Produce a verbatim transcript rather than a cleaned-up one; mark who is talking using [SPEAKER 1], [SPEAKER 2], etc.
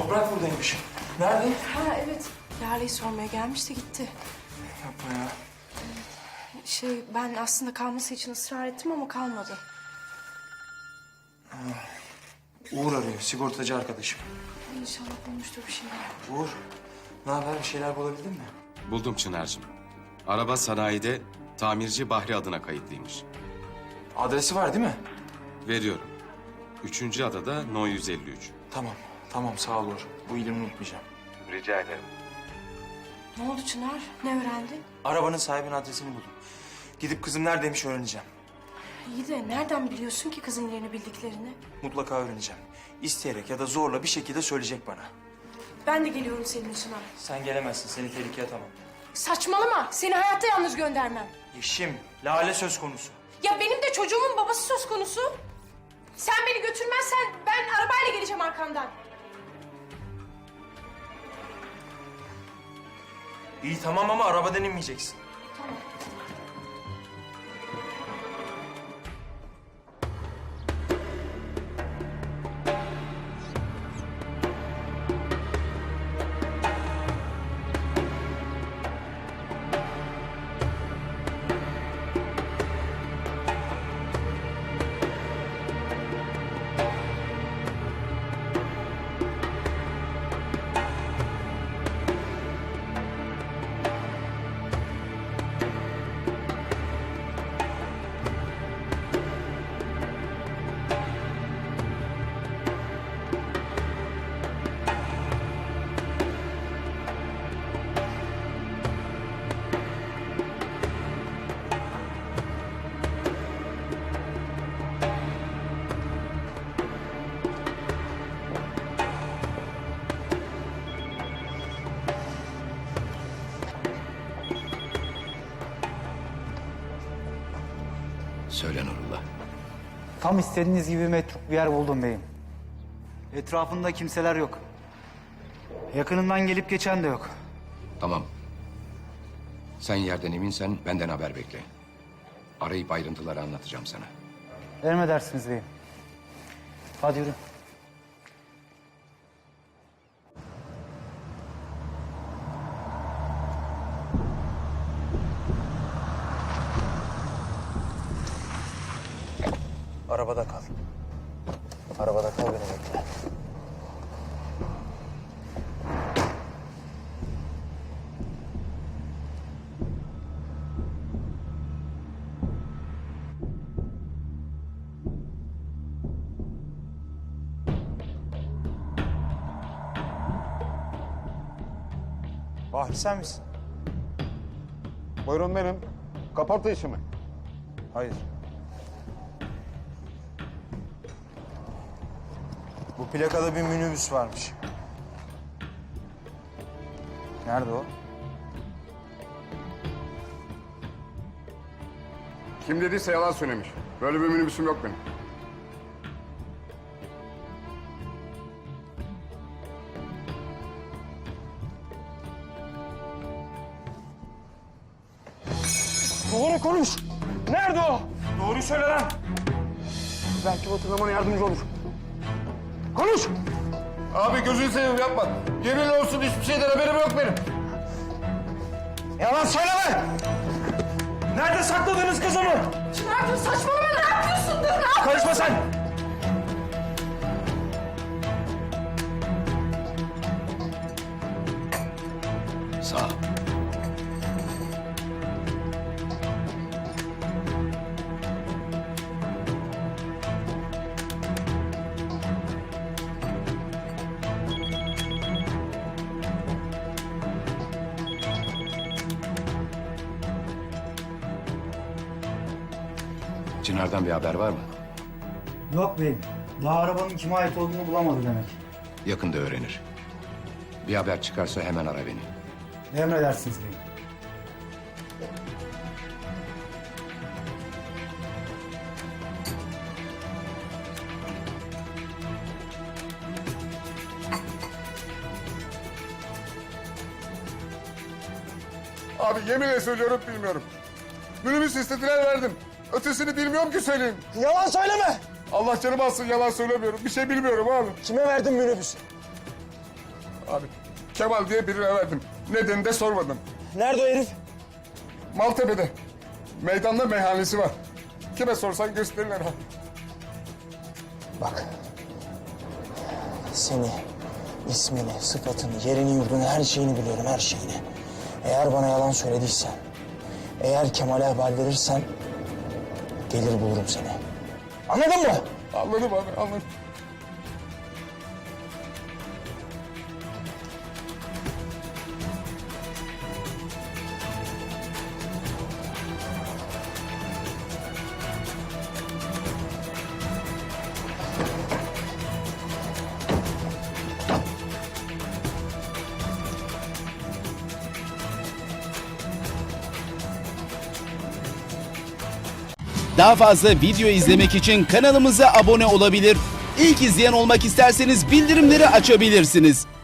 [SPEAKER 1] Toprak buradaymış. Nerede?
[SPEAKER 2] Ha evet. Lale'yi sormaya gelmişti gitti.
[SPEAKER 1] Yapma ya.
[SPEAKER 2] Şey ben aslında kalması için ısrar ettim ama kalmadı.
[SPEAKER 1] Uğur arıyor, sigortacı arkadaşım.
[SPEAKER 2] İnşallah bulmuştur bir şeyler.
[SPEAKER 1] Uğur, ne haber? Bir şeyler bulabildin mi?
[SPEAKER 3] Buldum Çınar'cığım. Araba sanayide tamirci Bahri adına kayıtlıymış.
[SPEAKER 1] Adresi var değil mi?
[SPEAKER 3] Veriyorum. Üçüncü adada No yüz elli üç.
[SPEAKER 1] Tamam, tamam sağ ol Uğur. Bu iyiliğini unutmayacağım.
[SPEAKER 3] Rica ederim.
[SPEAKER 2] Ne oldu Çınar? Ne öğrendin?
[SPEAKER 1] Arabanın sahibinin adresini buldum. Gidip kızım neredeymiş öğreneceğim.
[SPEAKER 2] İyi de nereden biliyorsun ki kızın yerini bildiklerini?
[SPEAKER 1] Mutlaka öğreneceğim. İsteyerek ya da zorla bir şekilde söyleyecek bana.
[SPEAKER 2] Ben de geliyorum seninle Çınar.
[SPEAKER 1] Sen gelemezsin, seni tehlikeye atamam.
[SPEAKER 2] Saçmalama. Seni hayatta yalnız göndermem.
[SPEAKER 1] Yeşim, Lale söz konusu.
[SPEAKER 2] Ya benim de çocuğumun babası söz konusu. Sen beni götürmezsen ben arabayla geleceğim arkandan.
[SPEAKER 1] İyi tamam ama arabadan inmeyeceksin.
[SPEAKER 2] Tamam.
[SPEAKER 4] Söyle Nurullah.
[SPEAKER 5] Tam istediğiniz gibi metruk bir yer buldum beyim. Etrafında kimseler yok. Yakınından gelip geçen de yok.
[SPEAKER 4] Tamam. Sen yerden eminsen benden haber bekle. Arayıp ayrıntıları anlatacağım sana.
[SPEAKER 5] Emredersiniz beyim. Hadi yürü.
[SPEAKER 1] Arabada kal. Arabada kal, beni bekle. Bahri sen misin?
[SPEAKER 6] Buyurun benim. Kaporta işi mi?
[SPEAKER 1] Hayır. Bu plakada bir minibüs varmış. Nerede o?
[SPEAKER 6] Kim dediyse yalan söylemiş. Böyle bir minibüsüm yok benim.
[SPEAKER 1] Doğru konuş. Nerede o? Doğruyu söyle lan.
[SPEAKER 6] Belki hatırlamana yardımcı olur. Konuş! Abi gözünü seveyim yapma. Yemin olsun hiçbir şeyden haberim yok benim.
[SPEAKER 1] Yalan söyleme. Nerede sakladınız kızımı?
[SPEAKER 2] Çınar dur saçmalama ne yapıyorsun? Dur ne yapıyorsun?
[SPEAKER 1] Karışma sen.
[SPEAKER 4] Sağ ol. Çınar'dan bir haber var mı?
[SPEAKER 5] Yok beyim. Daha arabanın kime ait olduğunu bulamadı demek.
[SPEAKER 4] Yakında öğrenir. Bir haber çıkarsa hemen ara beni.
[SPEAKER 5] Emredersiniz beyim.
[SPEAKER 6] Abi yeminle söylüyorum bilmiyorum. Minibüs istediler verdim. Ötesini bilmiyorum ki söyleyeyim.
[SPEAKER 1] Yalan söyleme.
[SPEAKER 6] Allah canımı alsın yalan söylemiyorum. Bir şey bilmiyorum abi.
[SPEAKER 1] Kime verdin minibüsü?
[SPEAKER 6] Abi Kemal diye birine verdim. Nedenini de sormadım.
[SPEAKER 1] Nerede o herif?
[SPEAKER 6] Maltepe'de. Meydanda meyhanesi var. Kime sorsan gösterirler abi.
[SPEAKER 7] Bak. Seni, ismini, sıfatını, yerini, yurdunu, her şeyini biliyorum, her şeyini. Eğer bana yalan söylediysen, eğer Kemal'e haber verirsen gelir bulurum seni. Anladın mı?
[SPEAKER 6] Anladım abi, anladım.
[SPEAKER 8] Daha fazla video izlemek için kanalımıza abone olabilir. İlk izleyen olmak isterseniz bildirimleri açabilirsiniz.